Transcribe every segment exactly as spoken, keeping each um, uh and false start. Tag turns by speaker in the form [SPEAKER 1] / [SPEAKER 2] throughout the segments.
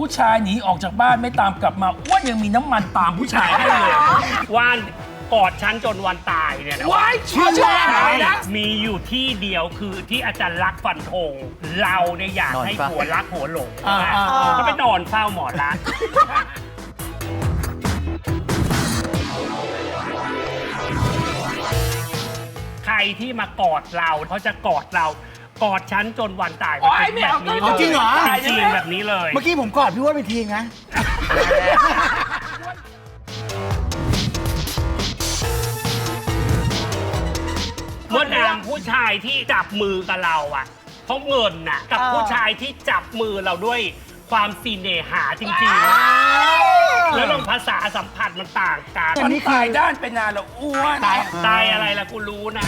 [SPEAKER 1] ผู้ชายหนีออกจากบ้านไม่ตามกลับมาอ้วนยังมีน้ำมันตามผู้ชายให้เลย
[SPEAKER 2] ว่านกอดฉันจนวันตายเนี่ยนะ
[SPEAKER 1] ว้ายเชื่อแอะไรนะ
[SPEAKER 2] มีอยู่ที่เดียวคือที่อาจารย์รักฟันธงเราเนี่ยอยากให้ผัวรักผัวหลงก็ไปนอนเฝ้าหมอรักใครที่มากอดเราเขาจะกอดเรากอดฉันจนวันตายมันเป็นแบบนี้
[SPEAKER 3] จริงเหรอ
[SPEAKER 2] จริงแบบนี้เลย
[SPEAKER 3] เมื่อกี้ผมกอดพี่อ้วนไปทีนะ
[SPEAKER 2] เมื่อนามผู้ชายที่จับมือกับเราอ่ะเพราะเงินน่ะกับผู้ชายที่จับมือเราด้วยความซีเนหาจริงๆแล้วลองภาษาสัมผัสมันต่างกัน
[SPEAKER 1] มันตายด้านไปนานแล้วอ้วน
[SPEAKER 2] ตายตายอะไรล่ะกูรู้นะ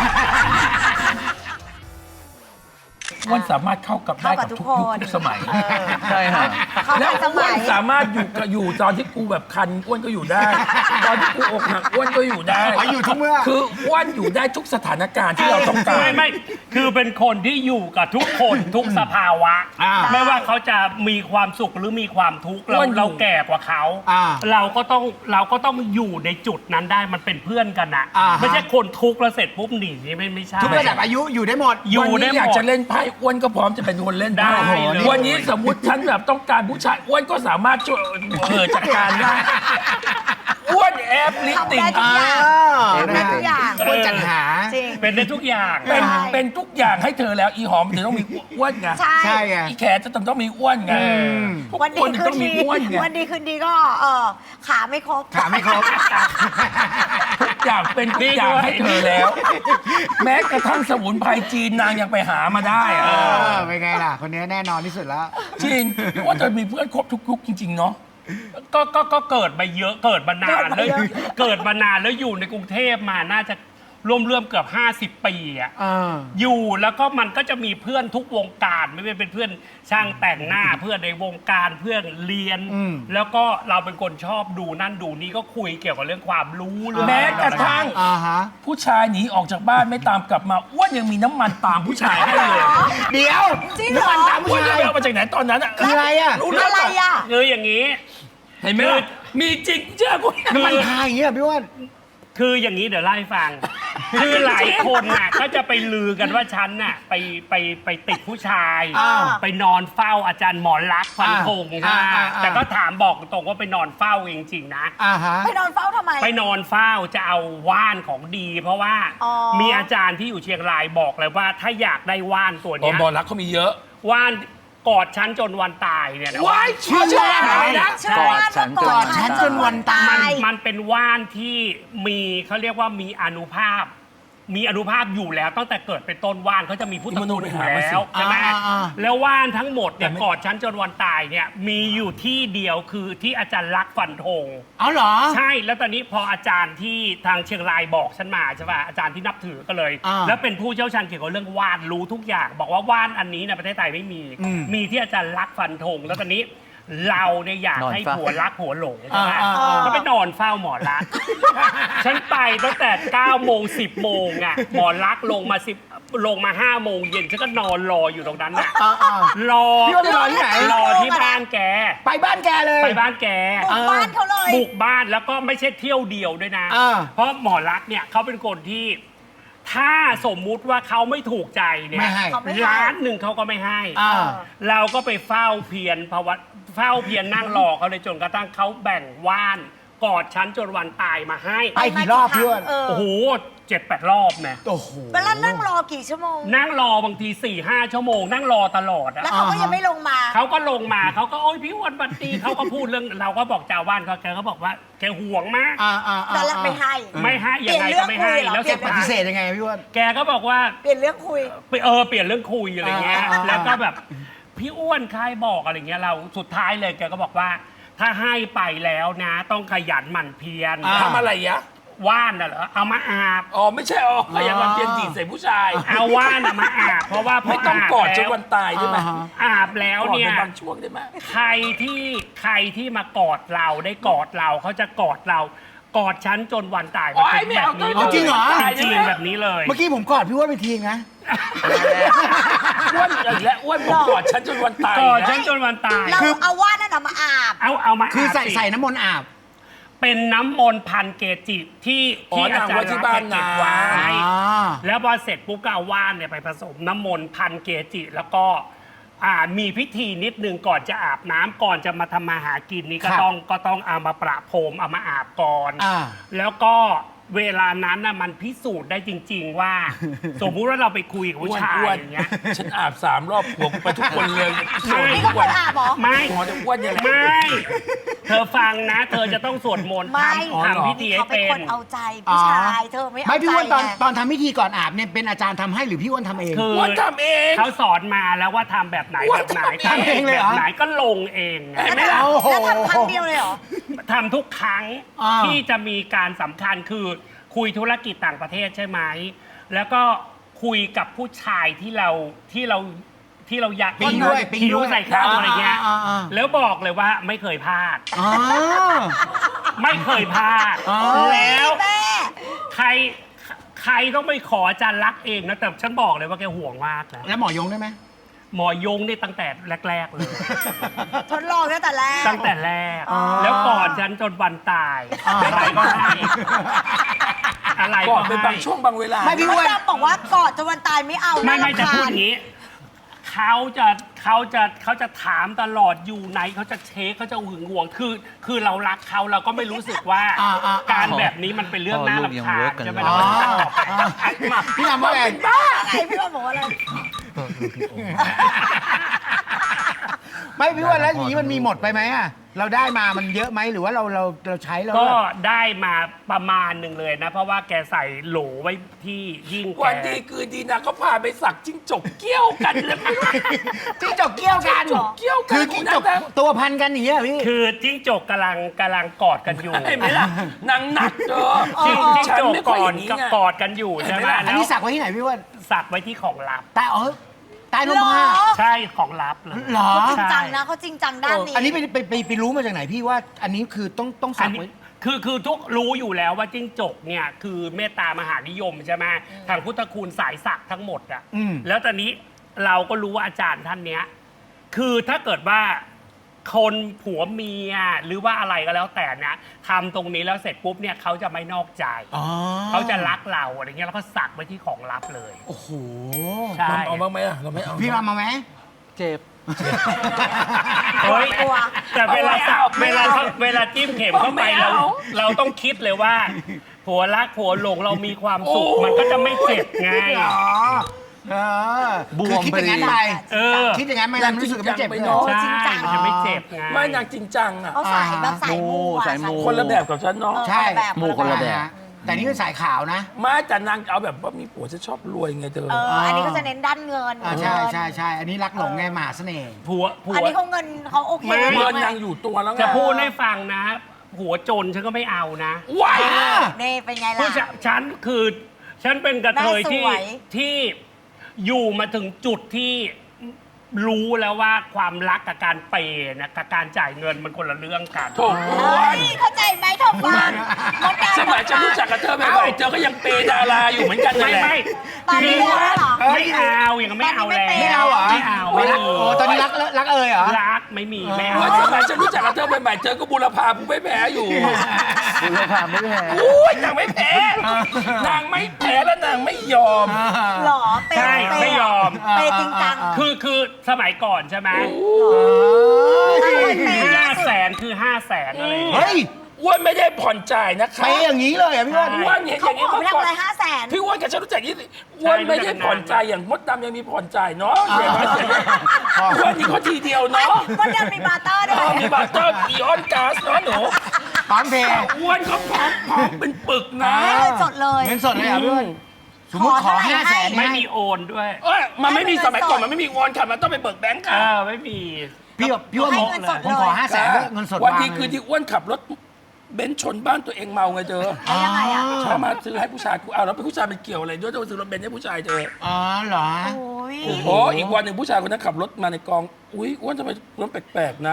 [SPEAKER 1] อ้วนสามารถเข้ากับได้กับทุกยุคทุกสมัย
[SPEAKER 4] ใช่ฮะ
[SPEAKER 1] แล้วอ้วนสามารถอยู่กับอยู่ตอนที่กูแบบคันอ้วนก็อยู่ได้ตอนที่กูอกหักอ้วนก็อยู่ได้
[SPEAKER 3] อยู่ทุกเมื่อ
[SPEAKER 1] คืออ้วนอยู่ได้ทุกสถานการณ์ที่เราต้องการ
[SPEAKER 2] ไม่ไม่คือเป็นคนที่อยู่กับทุกคนทุกสภาวะไม่ว่าเขาจะมีความสุขหรือมีความทุกข์เราเราแก่กว่าเขาเราก็ต้องเราก็ต้องอยู่ในจุดนั้นได้มันเป็นเพื่อนกันนะไม่ใช่คนทุกข์แล้วเสร็จปุ๊บหนีไม่ไม่ใช่
[SPEAKER 3] ทุกระดับอายุอยู่ได้หมด
[SPEAKER 1] อยู่ได้หมดอยากจะเล่นไพ่อ้วนก็พร้อมจะเป็นคนเล่นได้วันนี้สมมุติฉันแบบต้องการผู้ชายอ้วนก็สามารถช่วยเออจัดการได้อ้วนแอปลิสติ้ง
[SPEAKER 3] เป็นทุกอย่างอ้วนจัดหา
[SPEAKER 2] เป็นได้ทุกอย่าง
[SPEAKER 1] เป็นเป็นทุกอย่างให้เธอแล้วอีหอมถึงต้องมีอ้วนไง
[SPEAKER 3] ใช่ไง
[SPEAKER 1] อีแขจะต้องต้องมีอ้วนไง
[SPEAKER 5] วันดีคืนดีวันดีคืนดีก็เออขาไม่ครบ
[SPEAKER 3] ขาไม่ครบ
[SPEAKER 1] ทุกอย่างเป็นทุกอย่างให้เธอแล้วแม้กระทั่งสมุนไพรจีนนางยังไปหามาได้อะ
[SPEAKER 3] เป็นไงล่ะคนนี้แน่นอนที่สุดแล้ว
[SPEAKER 1] จริงว่าเธอมีเพื่อนครบทุกยุคจริงๆเนาะ
[SPEAKER 2] ก็ก็ก็เกิดมาเยอะเกิดมานานแล้วเกิดมานานแล้วอยู่ในกรุงเทพมาน่าจะร่วมเรื่มเกือบห้าสิบปีอ่ะอยู่แล้วก็มันก็จะมีเพื่อนทุกวงการไม่ว่าเป็นเพื่อนช่างแต่งหน้าเพื่อนในวงการเพื่อนเรียนแล้วก็เราเป็นคนชอบดูนั่นดูนี่ก็คุยเกี่ยวกับเรื่องความรู้
[SPEAKER 1] แม้กระทั่งผู้ชายหนีออกจากบ้านไม่ตามกลับมาอ้วนยังมีน้ำมันตามผู้ชายให้เลย
[SPEAKER 3] เดี๋ยว
[SPEAKER 5] น้ำมัน
[SPEAKER 1] ตามผู้ชายเอามาจากไหนตอนนั้นอ่ะ
[SPEAKER 3] คืออะไรอ่ะ
[SPEAKER 5] รู้อะไรอ่ะ
[SPEAKER 2] คืออย่างนี้
[SPEAKER 1] เห็นไหมมีจริงเชื่อกู
[SPEAKER 3] น้ำมันพายอย่างเงี้ยพี่อ้วน
[SPEAKER 2] คืออย่างนี้เดี๋ยวเล่าให้ฟังคือหลายคนน่ะก็จะไปลือกันว่าฉันน่ะไปไปไปติดผู้ชายไปนอนเฝ้าอาจารย์หมอลักษณ์ฟันธงใช่ไหมแต่ก็ถามบอกตรงว่าไปนอนเฝ้าจริงๆนะ
[SPEAKER 5] ไปนอนเฝ้าทำไม
[SPEAKER 2] ไปนอนเฝ้าจะเอาว่านของดีเพราะว่ามีอาจารย์ที่อยู่เชียงรายบอกเลยว่าถ้าอยากได้ว่านตัวนี้
[SPEAKER 1] หมอลักษณ์เขามีเยอะ
[SPEAKER 2] ว่านกอดฉันจนวันตายเนี่ยนะ
[SPEAKER 1] ว้ายเชื่ออะไรนะ
[SPEAKER 5] กอดฉัน
[SPEAKER 3] กอดฉันจนวันตาย
[SPEAKER 2] มันเป็นว่านที่มีเขาเรียกว่ามีอานุภาพมีอานุภาพอยู่แล้วตั้งแต่เกิดเป็นต้นว่านเขาจะมีพุทธคุณอยู่แล้วใช่ไหมแล้วว่านทั้งหมดเนี่ยกอดฉันจนวันตายเนี่ยมีอยู่ที่เดียวคือที่อาจารย์รักฟันธง
[SPEAKER 3] เอาเหรอ
[SPEAKER 2] ใช่แล้วตอนนี้พออาจารย์ที่ทางเชียงรายบอกฉันมาใช่ป่ะอาจารย์ที่นับถือก็เลยแล้วเป็นผู้เชี่ยวชาญเกี่ยวกับเรื่องว่านรู้ทุกอย่างบอกว่าว่านอันนี้ในประเทศไทยไม่มีมีที่อาจารย์รักฟันธงแล้วตอนนี้เราเนี่ยอยากให้ผัวรักผัวหลงใช่ไหมก็ไปนอนเฝ้าหมอรักฉันไปตั้งแต่เก้าโมงสิบโมงอ่ะหมอรักลงมาสิบลงมาห้าโมงเย็นฉันก็นอนรออยู่ตรงนั้นน่ะรอ
[SPEAKER 3] พี่ว่าไปรอที่ไหน
[SPEAKER 2] รอที่บ้านแก
[SPEAKER 3] ไปบ้านแกเลย
[SPEAKER 2] ไปบ้านแก
[SPEAKER 5] บุกบ้านเขาเลย
[SPEAKER 2] บุกบ้านแล้วก็ไม่ใช่เที่ยวเดียวด้วยนะเพราะหมอรักเนี่ยเขาเป็นคนที่ถ้าสมมุติว่าเขาไม่ถูกใจเนี่ยล้านหนึ่งเขาก็ไม่ให้เราก็ไปเฝ้าเพียรภาวะเฝ้าเพียรนั่งรอเขาเลยจนกระทั่งเขาแบ่งว่านกอดฉันจนวันตายมาให้
[SPEAKER 3] ไปกี่รอบเพื่อน
[SPEAKER 2] โอ้โหเจ็ดแปดรอบแม่
[SPEAKER 3] โอ้โห
[SPEAKER 5] แล้วนั่งรอกี่ชั่วโมง
[SPEAKER 2] นั่งรอบางทีสี่ห้าชั่วโมงนั่งรอตลอด
[SPEAKER 5] แล้วเขาก็ยังไม่ลงมา
[SPEAKER 2] เขาก็ลงมาเขาก็โอ๊ยพี่อ้วนบันตีเขาก็พูดเรื่องเราก็บอกเจ้าบ้านเขาแกก็บอกว่าแกห่วงมาก
[SPEAKER 5] แล้วไม่ให้
[SPEAKER 2] ไม่ให้ยังไงก็ไม่ให้แล้ว
[SPEAKER 3] จะปฏิเสธยังไงพี่อ้วน
[SPEAKER 2] แกก็บอกว่า
[SPEAKER 5] เปลี่ยนเรื่องคุย
[SPEAKER 2] เออเปลี่ยนเรื่องคุยอะไรเงี้ยแล้วก็แบบพี่อ้วนใครบอกอะไรเงี้ยเราสุดท้ายเลยแกก็บอกว่าถ้าให้ไปแล้วนะต้องขยันหมั่นเพียร
[SPEAKER 1] ทำอะไรยะ
[SPEAKER 2] ว่านน่ะเหรอเอามาอาบ
[SPEAKER 1] อ๋อไม่ใช่อ๋อขยันหมั่นเพียรจีบใส่ผู้ชาย
[SPEAKER 2] เอาว่านมาอาบเพราะว่า
[SPEAKER 1] ไม่ต้องกอดจนวันตายใช่ไหม
[SPEAKER 2] อาบแล้วเนี่ย
[SPEAKER 1] บางช่วงได้ไหม
[SPEAKER 2] ใครที่ใครที่มากอดเราได้กอดเราเขาจะกอดเรากอดฉันจนวันตายมันเป็นแบบนี้
[SPEAKER 3] จริงเหรอ
[SPEAKER 2] จริงแบบนี้เลย
[SPEAKER 3] เมื่อกี้ผมกอดพี่อ้วนไปทีนะ
[SPEAKER 1] อ้วนอีกแล้วอ้วนบอกกอดฉันจนวันตาย
[SPEAKER 2] ก่อน
[SPEAKER 1] นะ
[SPEAKER 2] ฉันจนวันตาย
[SPEAKER 5] เราเอาว่านนั่นน่ะมาอาบ
[SPEAKER 2] เอาเอามา
[SPEAKER 3] คือใส่
[SPEAKER 2] าบสิ
[SPEAKER 3] ใส่น้ำมนต์อาบ
[SPEAKER 2] เป็นน้ำมนต์พันเกจิที่
[SPEAKER 1] อ๋อ
[SPEAKER 2] ที่อาจาร
[SPEAKER 1] นางไว้
[SPEAKER 2] ย์
[SPEAKER 1] ที่บ้าน
[SPEAKER 2] เก็บไว้
[SPEAKER 1] นาง
[SPEAKER 3] อ๋อ
[SPEAKER 2] แล้วพอเสร็จปุ๊บก็เอาว่านเนี่ยไปผสมน้ำมนต์พันเกจิ แล้วก็อ่ามีพิธีนิดนึงก่อนจะอาบน้ำก่อนจะมาทำมาหากินนี่ก็
[SPEAKER 3] ครับ
[SPEAKER 2] ต้องก็ต้องเอามาประพรมเอามาอาบก่อน
[SPEAKER 3] อ่า
[SPEAKER 2] แล้วก็เวลานั้นน่ะมันพิสูจน์ได้จริง ๆ ว่า สมมุติว่าเราไปคุยกับ
[SPEAKER 1] อ้
[SPEAKER 2] ผู้
[SPEAKER 1] วน
[SPEAKER 2] ชาย
[SPEAKER 1] อ้วน
[SPEAKER 2] อย่างเงี้ย
[SPEAKER 1] ฉันอาบสามรอบผัวกูไปทุกคนเลยโสด
[SPEAKER 5] นี่
[SPEAKER 1] ทุ
[SPEAKER 5] ก็
[SPEAKER 1] ก
[SPEAKER 5] ค
[SPEAKER 1] วัน
[SPEAKER 5] นอาบเหรอ
[SPEAKER 2] ไม่
[SPEAKER 1] หมอจะอ้วนยังไง
[SPEAKER 2] ไม่ เธอฟังนะ เธอจะต้องสวดมนต์
[SPEAKER 5] ไม่
[SPEAKER 2] ทำทำพิธีให้
[SPEAKER 5] เขาเป็น
[SPEAKER 2] เป็
[SPEAKER 5] คน นเอาใจผู้ชายเธอไม่เอาใจ
[SPEAKER 3] ไม่พี่อ้วนตอน
[SPEAKER 5] ไง
[SPEAKER 3] ตอนทำพิธีก่อนอาบเนี่ยเป็นอาจารย์ทำให้หรือพี่อ้วนทำเอง
[SPEAKER 2] คือ
[SPEAKER 1] อ้วนทำเอง
[SPEAKER 2] เขาสอนมาแล้วว่าทำแบบไหน
[SPEAKER 1] อ้วน
[SPEAKER 2] แบบไหน
[SPEAKER 1] ทำเอง
[SPEAKER 3] เลยเหรอ
[SPEAKER 2] แบบไหนก็ลงเองไง
[SPEAKER 1] เห็นไหม
[SPEAKER 5] แล้ว
[SPEAKER 1] ล่ะ
[SPEAKER 5] ทำแล้วทำครั้งเดียวเลยเหรอ
[SPEAKER 2] ทำทุกครั้ง
[SPEAKER 3] อ่า
[SPEAKER 2] ที่จะมีการสำคัญคือคุยธุรกิจต่างประเทศใช่ไหม แล้วก็คุยกับผู้ชายที่เราที่เราที่เราอยาก
[SPEAKER 3] ปิ๊งด้วยปิ๊ง
[SPEAKER 2] คิ้ว
[SPEAKER 3] ด้วย
[SPEAKER 2] ใส่ข้าวอะไรเงี้ย
[SPEAKER 3] อ่าอ่าอ่า
[SPEAKER 2] แล้วบอกเลยว่าไม่เคยพลาด
[SPEAKER 3] อ๋อ
[SPEAKER 2] ไม่เคยพลาด
[SPEAKER 3] อ๋อ
[SPEAKER 2] แล้ว
[SPEAKER 5] แม่
[SPEAKER 2] ใครใครต้องไปขออาจารย์รักษณ์เองนะแต่ฉันบอกเลยว่าแกห่วงมากนะ
[SPEAKER 3] แล้วหมอยงได้ไหม
[SPEAKER 2] หมอยงนี่ตั้งแต่แรก ๆ เลย
[SPEAKER 5] ทดลองตั้งแต่แรก
[SPEAKER 2] ตั้งแต่แรก
[SPEAKER 3] อ๋อ
[SPEAKER 2] แล้วก่อนฉันจนวันตาย
[SPEAKER 3] อ๋ออ
[SPEAKER 2] อะไรก็ให้อะไร
[SPEAKER 1] ก่
[SPEAKER 2] ก็
[SPEAKER 1] อนเป็น
[SPEAKER 2] ให้
[SPEAKER 1] บางช่วงบางเวลา
[SPEAKER 3] ไม่พี่
[SPEAKER 5] มดดำบอกว่ากอดจนวันตายไม่เอา
[SPEAKER 2] ไม่ไม่
[SPEAKER 5] น่ารำ
[SPEAKER 2] จะ
[SPEAKER 5] คาญ
[SPEAKER 2] พูดอย่างนี้เขาจะเขาจะเขาจะถามตลอดอยู่ไหนเขาจะเช็คเขาจะหึงหวงคือ คือเรารักเขาเราก็ไม่รู้สึกว่า
[SPEAKER 3] อ่าอ่า
[SPEAKER 2] การแบบนี้มันเป็นเรื่องน่ารำคาญใช่ไหม
[SPEAKER 3] อ๋
[SPEAKER 2] เรา
[SPEAKER 3] อ
[SPEAKER 2] ก็จะตอบไป
[SPEAKER 3] อ๋อพี่ทำว่าไง
[SPEAKER 5] อะไรพี่ว่าบอกว่าอะไร
[SPEAKER 3] ไม่พี่อ้วนแล้วอย่างนี้มันมีหมดไปไหมอะเราได้มามันเยอะไหมหรือว่าเราเราเราใช้แล้ว
[SPEAKER 2] ก็
[SPEAKER 3] แบบ
[SPEAKER 2] ได้มาประมาณหนึ่งเลยนะ เพราะว่าแกใส่โหลไว้ที่ยิ่งแก
[SPEAKER 1] วันดีคือดีนะก็พาไปสักจิ้งจกเกี้ยวกันเลย
[SPEAKER 3] จิ้งจกเกี้ยวกัน
[SPEAKER 1] จิ้งจกเกี้ยวกัน
[SPEAKER 3] คือจิ้งจกตัวพันกันอย่างเงี้ยพี่
[SPEAKER 2] คือจิ้งจกกำลังกำลังกอดกันอยู่
[SPEAKER 1] เห็นไหมล่ะนางหนักเด้อ
[SPEAKER 2] จิ้งจิ้ง
[SPEAKER 1] ฉัน
[SPEAKER 2] จก
[SPEAKER 1] ไม่
[SPEAKER 2] ก
[SPEAKER 1] ค่อย
[SPEAKER 2] อ
[SPEAKER 1] อ
[SPEAKER 2] ด
[SPEAKER 1] ย่างนี้
[SPEAKER 2] ก็
[SPEAKER 1] ไง
[SPEAKER 2] กอดกันอยู่ใช่ไหม
[SPEAKER 3] อัน
[SPEAKER 2] แล้ว
[SPEAKER 3] นี้สักไว้ที่ไหนพี่อ้วน
[SPEAKER 2] สักไว้ที่ของลับ
[SPEAKER 3] ใต้เออใต้ลมผ้า
[SPEAKER 5] เหรอ
[SPEAKER 2] ใช่ของลับเลย
[SPEAKER 3] เหรอ
[SPEAKER 5] เขาจริง
[SPEAKER 2] ใช่
[SPEAKER 5] จังนะเขาจริงจังด้านนี้
[SPEAKER 3] อันนี้ไปไปไปไปรู้มาจากไหนพี่ว่า อันนี้คือต้องต้อง
[SPEAKER 2] อั
[SPEAKER 3] สั
[SPEAKER 2] น
[SPEAKER 3] ก
[SPEAKER 2] นี้
[SPEAKER 3] ไว้
[SPEAKER 2] คือคือทุกรู้อยู่แล้วว่าจิ้งจกเนี่ยคือเมตตามหานิยมใช่ไหมทางพุทธคุณสายสักทั้งหมดอ่ะ
[SPEAKER 3] อืม
[SPEAKER 2] แล้วตอนนี้เราก็รู้ว่าอาจารย์ท่านเนี้ยคือถ้าเกิดว่าคนผัวเมียหรือว่าอะไรก็แล้วแต่นะทำตรงนี้แล้วเสร็จปุ๊บเนี่ยเขาจะไม่นอกใจ
[SPEAKER 3] อ๋อ
[SPEAKER 2] เขาจะรักเราอะไรเงี้ยแล้วก็สักไว้ที่ของลับเลย
[SPEAKER 3] โอ้โห
[SPEAKER 2] ใช่
[SPEAKER 1] เอาบ้างไหมอะเราไม่เอา
[SPEAKER 3] พี่มามาไหม
[SPEAKER 4] เจ็บ
[SPEAKER 2] เฮ้ย
[SPEAKER 5] กลัว
[SPEAKER 2] แต่เวลา
[SPEAKER 1] ไม่เอา
[SPEAKER 2] เวลาเวลาจิ้มเข็มเข้าไป
[SPEAKER 1] ไม่
[SPEAKER 2] เรา
[SPEAKER 1] เอา
[SPEAKER 2] เราต้องคิดเลยว่า ผัวรักผัวหลงเรามีความสุข
[SPEAKER 1] โอ้
[SPEAKER 2] มันก็จะไม่เจ็บไง
[SPEAKER 3] อ๋อเออบ
[SPEAKER 4] วม
[SPEAKER 3] คือคิดอย่างนั้น
[SPEAKER 4] พอดี
[SPEAKER 3] ไป
[SPEAKER 2] เออ
[SPEAKER 3] คิดอย่างนั้นไม่ทำรู้สึกไม่เจ็บเลย
[SPEAKER 1] เนาะ
[SPEAKER 2] ใช่
[SPEAKER 5] จริงจัง
[SPEAKER 2] มันจะไม่เจ็บไง
[SPEAKER 1] ไม่นางจริงจังอ่ะ
[SPEAKER 5] เขาสายแบบสายมูอะ
[SPEAKER 4] สายมู
[SPEAKER 1] คนละแบบกับฉันเนาะ
[SPEAKER 5] เออ
[SPEAKER 3] ใช่
[SPEAKER 5] คนละแบบ
[SPEAKER 4] หมู่คนละแบบ
[SPEAKER 3] ฮแต่นี่เป็นสายขาวนะ
[SPEAKER 1] ไม่แต่นางเอาแบบว่ามีผัวจะชอบรวยไงเธอ
[SPEAKER 5] เอออันนี้ก็จะเน้นด้านเงิน
[SPEAKER 3] อ่าใช่
[SPEAKER 5] เงิน
[SPEAKER 3] ใช่ใช่อันนี้รักหลงไงมหาเสน่ห์
[SPEAKER 2] ผัวผัว
[SPEAKER 5] อันนี้เขาเงินเขาโอเค
[SPEAKER 2] ไม่
[SPEAKER 1] เงินนางอยู่ตัวแล้วไง
[SPEAKER 2] จะพูดให้ฟังนะ หัวจนฉันก็ไม่เอานะ
[SPEAKER 1] ว้าย
[SPEAKER 5] นี่เป็นไง
[SPEAKER 2] ผู้
[SPEAKER 5] ล่ะ
[SPEAKER 2] ชฉันคือ ฉันเป็นกระเทยที่
[SPEAKER 5] แม่สวย
[SPEAKER 2] ที่อยู่มาถึงจุดที่รู้แล้วว่าความรักกับการเปย์นะกับการจ่ายเงินมันคนละเรื่องกัน
[SPEAKER 1] โถูก
[SPEAKER 5] เฮ้ยเข้าใจไหมทอมฟังมดดำ
[SPEAKER 1] สมัยฉันรู้จักกับเธอใหม่ๆเธอก็ยังเปย์ดาราอยู่เหมือนกันนั่
[SPEAKER 2] ไม่
[SPEAKER 1] นแหละ
[SPEAKER 2] ไม่
[SPEAKER 5] ตอนนี้แล้วเหรอ
[SPEAKER 2] ไม่เอาอย่างนั้นไม่เอาแล้ว
[SPEAKER 3] ไม่เอาเหรอ
[SPEAKER 2] ไม่เอา
[SPEAKER 3] ไม่
[SPEAKER 2] ไม่
[SPEAKER 3] รัก
[SPEAKER 2] มี
[SPEAKER 3] โอ้ตอนนี้รักรักเอ่ยเหรอ
[SPEAKER 2] รักไม่มีไม่เอา
[SPEAKER 1] ว่าสมัยฉันรู้จักกับเธอใหม่ๆเธอก็บูรพาผู้ไม่แพ้อยู่
[SPEAKER 4] คุณภาพไม่แพ้
[SPEAKER 1] อุ้ยนางไม่แพ้นางไม่แพ้และนางไม่ยอม
[SPEAKER 5] หรอเปย์
[SPEAKER 2] ใช่
[SPEAKER 5] เปย์
[SPEAKER 2] ไม่ยอม
[SPEAKER 5] เปย์จริงจัง
[SPEAKER 2] คือคือสมัยก่อนใช่ไหม ห้าแสนคือห้าแสนอะไรอย่างเงี้ย
[SPEAKER 3] เฮ้ย
[SPEAKER 1] อ้วนไม่ได้ผ่อนจ่ายนะคะ
[SPEAKER 3] ไปอย่างนี้เลยเหรอ่ะพี่อ้วน
[SPEAKER 1] อ้วนเห็นอ
[SPEAKER 5] เขา
[SPEAKER 1] ย่าง
[SPEAKER 5] บ
[SPEAKER 1] นี้
[SPEAKER 5] อก
[SPEAKER 1] เมื่อก่อน
[SPEAKER 5] ไม่ทำอะไรห้าแสน
[SPEAKER 1] พี่อ้วนกับฉันรู้จักยี่สิอ้วนไม่ได้ผ่อนจ่ายอย่างมดดำยังมีผ่อนจ่ายเนาะเสียน้อยเสียน้อยอ้วนนี่เขาทีเดียวเนาะ
[SPEAKER 5] มดดำมีบาร์เตอร์ด้ว
[SPEAKER 1] อ๋อย มีบัตเตอร์อีออนก๊าซเนาะหนู
[SPEAKER 3] พร้อมเพย์
[SPEAKER 1] อ้วนเขาพร้อมพร้อมเป็นปึกนะ
[SPEAKER 5] ให้เงินสดเลย
[SPEAKER 3] เงินสดเลยเหรอ่ะพี่อ้วนสมมติขอ
[SPEAKER 5] ขอเท่าไหร่
[SPEAKER 3] ห้าแสน
[SPEAKER 5] ให้
[SPEAKER 2] ไม่มีโอนด้วย
[SPEAKER 1] เอ้ยมันไม่มีสมัยก่อนมันไม่มีวอนค่ะมันต้องไปเบิกแบงค์
[SPEAKER 2] เอ
[SPEAKER 1] ค่ะ
[SPEAKER 2] อไม่มี
[SPEAKER 3] พี่แบบพี่อ้วน
[SPEAKER 5] ให้
[SPEAKER 3] ผม
[SPEAKER 5] เงินสดเลย
[SPEAKER 3] ผมขอห้าแสนเงินสด
[SPEAKER 1] วัน
[SPEAKER 3] วาง
[SPEAKER 1] ที่คืนที่อ้วนขับรถเบนซ์ชนบ้านตัวเองเมาไงเธอ
[SPEAKER 5] แล้วยังไงอ่ะ
[SPEAKER 1] เขามาซื้อให้ผู้ชายกูเอาแล้วเป็นผู้ชายเป็นเกี่ยวอะไรด้วยต้องซื้อรถเบนซ์ให้ผู้ชายเธอ
[SPEAKER 3] อ๋อเหรอ
[SPEAKER 5] โอ้ย
[SPEAKER 1] โอ้อีกวันหนึ่งผู้ชายคนนั้นขับรถมาในกองอุ้ยอ้วนทำไมรถแปลกๆนะ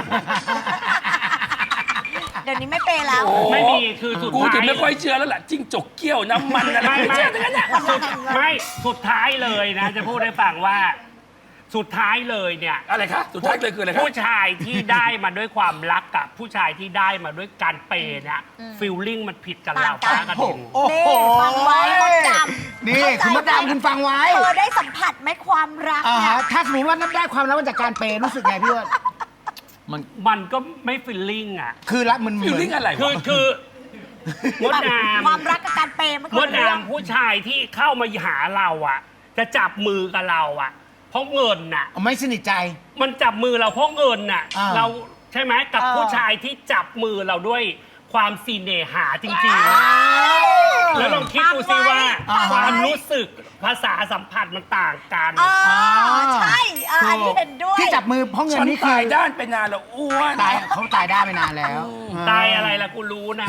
[SPEAKER 5] เดี๋ยวนี้ไม่เปย์แล้ว
[SPEAKER 1] โอ้
[SPEAKER 2] ไม่มีคือสุด
[SPEAKER 1] กู
[SPEAKER 2] ท้าย
[SPEAKER 1] ถึงไม่ค่อยเชื่อแล้วล่ะจิ้งจกเกี้ยวน้ำมันอะไร
[SPEAKER 2] ไม่
[SPEAKER 1] ไม่
[SPEAKER 2] ไม่
[SPEAKER 1] เชื่อทั้งนั้นน่ะ
[SPEAKER 2] สุดไม่สุดท้ายเลยนะ จะพูดให้ฟังว่าสุดท้ายเลยเนี่ย
[SPEAKER 1] อะไรคะสุดท้ายเลยคืออะไรคะ
[SPEAKER 2] ผู้ชายที่ได้มาด้วยความรักกับผู้ชายที่ได้มาด้วยการเปย์เนี่ยฟีลลิ่งมันผิดกัน
[SPEAKER 5] ต่า
[SPEAKER 2] เรา
[SPEAKER 5] งกัน
[SPEAKER 2] ฟ้ากับดิน
[SPEAKER 3] โอ้โห
[SPEAKER 5] นี่ฟังไว้มดดำ
[SPEAKER 3] นี่คุณมดดำคุณฟังไว้
[SPEAKER 5] เธอได้สัมผัสไหมความรัก
[SPEAKER 3] อ่า
[SPEAKER 5] เนี่ย
[SPEAKER 3] ฮะถ้าสมมติว่านับได้ความรักมาจากการเปย์รู้สึกไงพี่อ้วน
[SPEAKER 4] มัน
[SPEAKER 2] มันก็ไม่ฟีลลิ่งอ่ะ
[SPEAKER 3] คือรักมันเห
[SPEAKER 1] ฟิล
[SPEAKER 3] มือน
[SPEAKER 1] ลิ่งอะไร
[SPEAKER 2] คือ
[SPEAKER 1] วะ
[SPEAKER 2] คือมดด
[SPEAKER 5] ความรักกับการเปย์มัน
[SPEAKER 2] ำ
[SPEAKER 5] ค
[SPEAKER 2] ม
[SPEAKER 5] น
[SPEAKER 2] ด
[SPEAKER 5] ละเรื่อง
[SPEAKER 2] ดำผู้ชายที่เข้ามาหาเราอ่ะ จะจับมือกับเราอ่ะ เพราะเงินน่ะ
[SPEAKER 3] ไม่สนิทใจ
[SPEAKER 2] มันจับมือเราเพราะเงินน่ะ
[SPEAKER 3] อ่า
[SPEAKER 2] เราใช่ไหมกับ
[SPEAKER 5] เออ
[SPEAKER 2] ผู้ชายที่จับมือเราด้วยความซีเนหาจริงๆ แล้วลองคิดดูสิว่า
[SPEAKER 3] อ่า
[SPEAKER 2] ความรู้สึกภาษาสัมผัสมันต่างกัน
[SPEAKER 5] เออใช่เอออันนี้เห็นด้วย
[SPEAKER 3] ที่จับมือเพราะเงิ
[SPEAKER 1] ฉั
[SPEAKER 3] น
[SPEAKER 1] น
[SPEAKER 3] นี่คื
[SPEAKER 1] ตา
[SPEAKER 3] อย
[SPEAKER 1] ด้านไปนานแล้วอ้วน
[SPEAKER 3] ตายเขาตายได้ไปนานแล้ว
[SPEAKER 2] ตายอะไรล่ะกูรู้นะ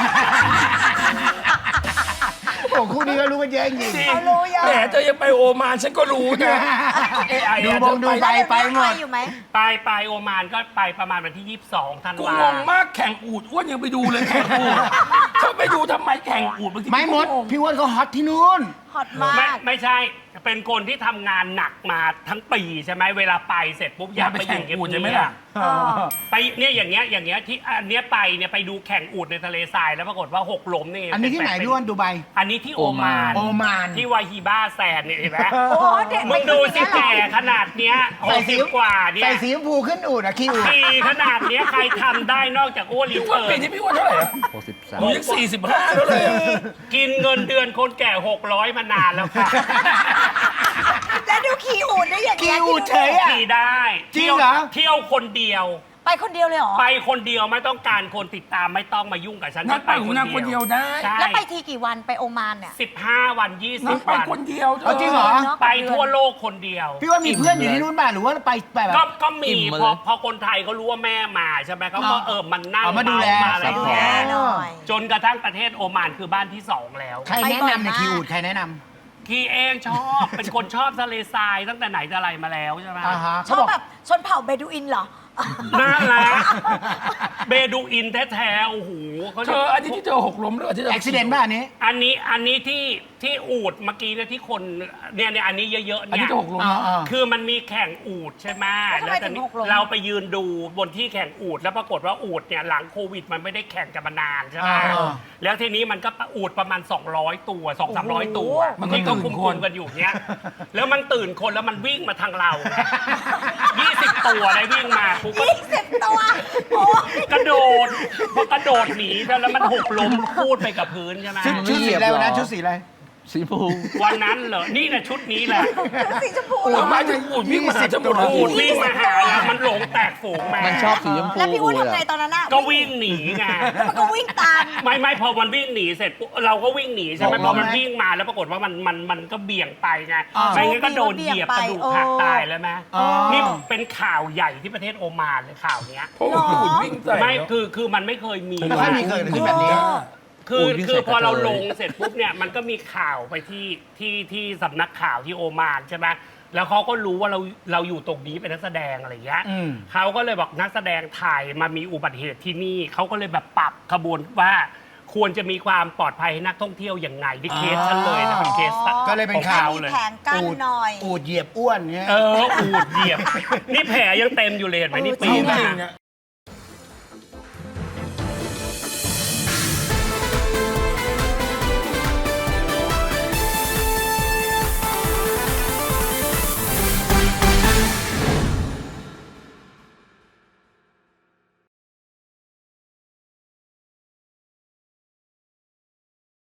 [SPEAKER 3] โอ้คู่นี้ก็รู้กันเยอะจริง
[SPEAKER 1] จริง
[SPEAKER 5] เขารู้เยอะ
[SPEAKER 1] แหมเธอยังไปโอมานฉันก็รู้นะเอ้ไอ้
[SPEAKER 3] ดู
[SPEAKER 1] อะ
[SPEAKER 3] บงดูใบไปหมด
[SPEAKER 5] อยู่ไหม
[SPEAKER 2] ไปไปโอมานก็ไปประมาณวันที่ยี่สิบสองธัน
[SPEAKER 1] กู
[SPEAKER 2] วาง
[SPEAKER 1] งมากแข่งอูดอ้วนยังไปดูเลยแข่งอูดเธอไปดูทำไมแข่งอูดบางที
[SPEAKER 3] ไม่มด
[SPEAKER 1] กูงง
[SPEAKER 3] พี่อ้วนเขาฮอตที่นู่น
[SPEAKER 5] ฮอตมา
[SPEAKER 2] ไม่
[SPEAKER 5] ก
[SPEAKER 2] ไม่ใช่ เป็นคนที่ทำงานหนักมาทั้งปีใช่ไหมเวลาไปเสร็จปุ๊บอยากไปอยู่เงียบ
[SPEAKER 1] ไปแข่งอูฐ
[SPEAKER 2] ๆ
[SPEAKER 1] ใช่ไหมล่ะ
[SPEAKER 2] ไปเนี่ยอย่างเงี้ยอย่างเงี้ยที่อันเนี้ยไปเนี่ยไปดูแข่งอูฐในทะเลทรายแล้วปรากฏว่าหกล้มนี่
[SPEAKER 3] อันนี้ที่ไหนพี่อ้วนดูไบ
[SPEAKER 2] อันนี้ที่โอมาน
[SPEAKER 3] โอมาน
[SPEAKER 2] ที่วาฮีบ้าแซนเนี่ยเห็นไหม
[SPEAKER 5] โอ้เด็ก
[SPEAKER 2] มึงดูสิแก่ขนาดเนี้ยห
[SPEAKER 3] ใส่
[SPEAKER 2] ก
[SPEAKER 3] สี
[SPEAKER 2] สิบกว่าเนี่ย
[SPEAKER 3] ใส่สีชมพูขึ้นอูดอะขี้อูด
[SPEAKER 2] ปีขนาดเนี้ยใครทำได้นอกจากอ้วนรี
[SPEAKER 1] พี่อ้วน
[SPEAKER 2] เทิ
[SPEAKER 1] ปี
[SPEAKER 2] ร์น
[SPEAKER 1] นี้พี่อ้วนเท่าไหร่อะ
[SPEAKER 4] หกสิบสาม
[SPEAKER 1] หนูยังสี่สิบห้าแล้วเลยอะ
[SPEAKER 2] กินเงินเดือนคนแก่หกร้อยมานานแล้วค่ะ
[SPEAKER 5] แล้วดูขี่อูดได้อย่าง
[SPEAKER 3] ขี้
[SPEAKER 5] เงี้ย
[SPEAKER 3] อูดเฉยอะ
[SPEAKER 2] ขี่ได้
[SPEAKER 3] จริงเหรอ
[SPEAKER 2] เที่ยวคนเดียว
[SPEAKER 5] ไปคนเดียวเลยเหรอ
[SPEAKER 2] ไปคนเดียวไม่ต้องการคนติดตามไม่ต้องมายุ่งกับฉัน
[SPEAKER 1] นั่งไปของนางคนเดียวได้
[SPEAKER 2] ใช่
[SPEAKER 5] แล้วไปทีกี่วันไปโอมานเนี่ย
[SPEAKER 2] สิบห้าวันยี่สิ
[SPEAKER 1] นั่
[SPEAKER 2] บ
[SPEAKER 1] งไป
[SPEAKER 2] วัน
[SPEAKER 1] คนเดียวเธ
[SPEAKER 3] เอาจริงเหรอ
[SPEAKER 5] เนอะ
[SPEAKER 2] ไปทั่วโลกคนเดียว
[SPEAKER 3] พี่ว่ามีเพื่อนอยู่ที่นู่นป่ะหรือว่าไปไปแบบ
[SPEAKER 2] ก็ก็มี
[SPEAKER 4] อิ่มมา
[SPEAKER 2] พอ
[SPEAKER 4] เลย
[SPEAKER 2] พอคนไทยเขารู้ว่าแม่มาใช่ไหมเขาก็
[SPEAKER 3] อ๋อ
[SPEAKER 2] เออมันนั่ง
[SPEAKER 3] เอามาดูแล
[SPEAKER 2] เมาอะไร
[SPEAKER 5] ดู
[SPEAKER 2] อย่าง
[SPEAKER 5] แล
[SPEAKER 2] เงี้ย
[SPEAKER 5] หน่อย
[SPEAKER 2] จนกระทั่งประเทศโอมานคือบ้านที่สองแล้ว
[SPEAKER 3] ใครแนะนำในขี้อูดใครแนะน
[SPEAKER 2] คีเองชอบ เป็นคนชอบทะเลทรายตั้งแต่ไหนแต่ไรมาแล้วใช่ไหม
[SPEAKER 3] ำอ่าฮะ
[SPEAKER 5] ช
[SPEAKER 3] เขา
[SPEAKER 5] อ
[SPEAKER 3] บบ อก
[SPEAKER 5] แบบชนเผ่าเบดูอินเหรอ
[SPEAKER 2] น่ารักเบดูอินแท้ๆโอ้โหเขา
[SPEAKER 1] เธออันนี้ที่เธอหกล้มหรือที่เธอ
[SPEAKER 3] อุบิเหตุป่ะอันนี้
[SPEAKER 2] อันนี้อันนี้ที่ที่อูดเมื่อกี้เนี่ยที่คนเนี่ยเนี่ยอันนี้เยอะๆ
[SPEAKER 1] อัน
[SPEAKER 2] เนี่
[SPEAKER 1] นี้
[SPEAKER 2] ย
[SPEAKER 1] เธอหกล้ม
[SPEAKER 3] อ่าอ่า
[SPEAKER 2] คือมันมีแข่งอูดใช่ไหม
[SPEAKER 5] แล้วทำไม
[SPEAKER 2] ตอนนี้
[SPEAKER 5] ถึงหกล้ม
[SPEAKER 2] เราไปยืนดูบนที่แข่งอูดแล้วปรากฏว่าอูดเนี่ยหลังโควิดมันไม่ได้แข่งกันมานานใช่ไหม
[SPEAKER 3] อ่า
[SPEAKER 2] แล้วทีนี้มันก็อูดประมาณ สองร้อย ตัว สองสามร้อย ตัว
[SPEAKER 1] มันก็
[SPEAKER 2] ที่ก็
[SPEAKER 1] ตื่
[SPEAKER 2] คุ
[SPEAKER 1] น
[SPEAKER 2] ม
[SPEAKER 1] คน
[SPEAKER 2] ๆกันอยู่เนี้ยแล้วมันตื่นคนแล้วมันวิ่งมาทางเรา ยี่สิบ ตัวได้วิ่งมาปุ๊บก็
[SPEAKER 5] ยี่สิบตัวโอ้ย
[SPEAKER 2] กระโดดพอกระโดดหนีแล้วมันหกล้มคูดไปกับพื้นใช่ไหม
[SPEAKER 3] ชุดชุดสีอะไรวะนะชุดสีอะไร
[SPEAKER 4] สีชมพู
[SPEAKER 2] วันนั้นเหรอ นี่แหละชุดนี้แหละ
[SPEAKER 5] ชุดสีชมพู
[SPEAKER 1] อู
[SPEAKER 5] เหร
[SPEAKER 1] ด
[SPEAKER 5] อ
[SPEAKER 1] หมายถึงอูดวิ่งมาหาฉันหมดเลย
[SPEAKER 2] อูดวิ่งมาหาเรามันหลงแตกฝูงมา
[SPEAKER 4] มันชอบสีชมพู
[SPEAKER 5] แล้วพี่อ้วน
[SPEAKER 4] เลย
[SPEAKER 5] ทำไง
[SPEAKER 4] อะ
[SPEAKER 5] ตอนนั้นอะ
[SPEAKER 2] ก็วิ่งหนีไง
[SPEAKER 5] แล้วมันก็วิ่งตาม
[SPEAKER 2] ไม่ไม่พอมันวิ่งหนีเสร็จปุ๊บเราก็วิ่งหนีใช่ไหม
[SPEAKER 3] หก
[SPEAKER 2] พ
[SPEAKER 3] ล้
[SPEAKER 2] อ
[SPEAKER 3] มไหม
[SPEAKER 2] มันวิ่งมาแล้วปรากฏว่ามันมันมันก็เบี่ยงไปไง
[SPEAKER 3] อ่า
[SPEAKER 2] ไม่งั้นก็โดนเหยียบกระดูกหักตายแล้วไหม
[SPEAKER 3] อ๋อ
[SPEAKER 2] นี่เป็นข่าวใหญ่ที่ประเทศโอมานเลยข่าวเนี้ย
[SPEAKER 1] เพราะว่าอูดวิ่งใส่
[SPEAKER 2] ไม่
[SPEAKER 1] เนอะ
[SPEAKER 2] คือคือมันไม่เคยมี
[SPEAKER 3] ไม่ค่อยมีเกิดขึ้นแบบนี้
[SPEAKER 2] คือ
[SPEAKER 4] โอ้ยวิ่ง
[SPEAKER 2] คือ
[SPEAKER 4] ใส่
[SPEAKER 2] พอเรา
[SPEAKER 4] กระเทย
[SPEAKER 2] ลงเสร็จปุ๊บเนี่ยมันก็มีข่าวไปที่ที่ที่สำนักข่าวที่โอมานใช่ไหมแล้วเขาก็รู้ว่าเราเราอยู่ตรงนี้เป็นนักแสดงอะไรอย่างเงี้ย
[SPEAKER 3] อืม
[SPEAKER 2] เขาก็เลยบอกนักแสดงไทยมามีอุบัติเหตุที่นี่เขาก็เลยแบบปรับขบวนว่าควรจะมีความปลอดภัยให้นักท่องเที่ยวอย่างไงที่เคสฉันเลยนะเป็นเคส
[SPEAKER 3] ก็เลยเป็น
[SPEAKER 2] ของ
[SPEAKER 3] ข่าว
[SPEAKER 2] ข
[SPEAKER 5] มีแผงกั้นหน่อย
[SPEAKER 3] อูดเหยียบอ้วนเนี่ย
[SPEAKER 2] เอออูดเหยียบ นี่แผลยังเต็มอยู่เลยเห็นไหมนี่ปี
[SPEAKER 1] จริง
[SPEAKER 2] มา
[SPEAKER 1] ๆอะ